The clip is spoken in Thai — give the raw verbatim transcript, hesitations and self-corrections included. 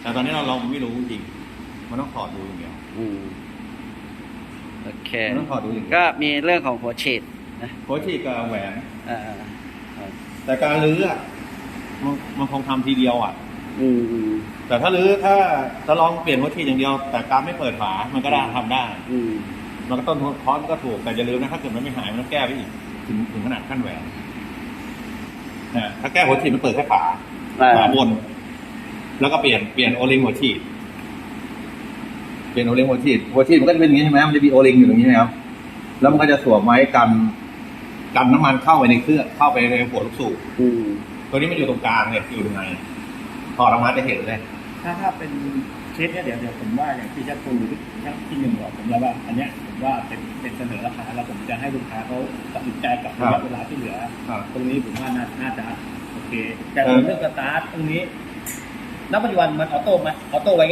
แต่ตอนนี้เราเราไม่รู้จริงมันต้องถอดดูอย่างเดียวอืมโอเคมันต้องถอดดูอย่างเดียวก็มีเรื่องของหัวฉีดนะหัวฉีดกับแหวนอ่าแต่การรื้ออะมันมันคงทำทีเดียวอ่ะอืมอืมแต่ถ้ารื้อถ้าจะลองเปลี่ยนหัวฉีดอย่างเดียว แต่การไม่เปิดฝามันก็ได้ทำได้อืมมันก็ต้นคอสก็ถูกแต่อย่าลืมนะถ้าเกิดมันไม่หายมันต้องแก้ไปอีกถึงถึงขนาดขั้นแหวนนะถ้าแก้หัวฉีดมันเปิดแค่ฝาฝาบน แล้วก็เปลี่ยนเปลี่ยนโอลิงหัวฉีดเปลี่ยนโอลิงหัวฉีดหัวฉีดมันก็จะเป็นอย่างนี้ใช่ไหมมันจะมีโอลิงอยู่ตรงนี้นะครับแล้วมันก็จะสวมไว้กันกันน้ำมันเข้าไปในเครื่องเข้าไปในหัวลูกสูบอืมตัวนี้มันอยู่ตรงกลางเนี่ยอยู่ตรงไหนถอดออกมาจะเห็นเลยถ้าถ้าเป็นเคสเนี้ยเดี๋ยวเดี๋ยวผมว่าอย่างที่ชักตูชักที่หนึ่งบอกผมแล้วว่าอันเนี้ยผมว่าเป็นเป็นเสนอราคาแล้วผมจะให้ลูกค้าเขาตัดสินใจกับระยะเวลาที่เหลือครับตรงนี้ผมว่าน่าน่าจะโอเคแต่เรื่องสตาร์ทตรงนี้ณปัจจุบันมันออโต้ไหมออโต้ไว้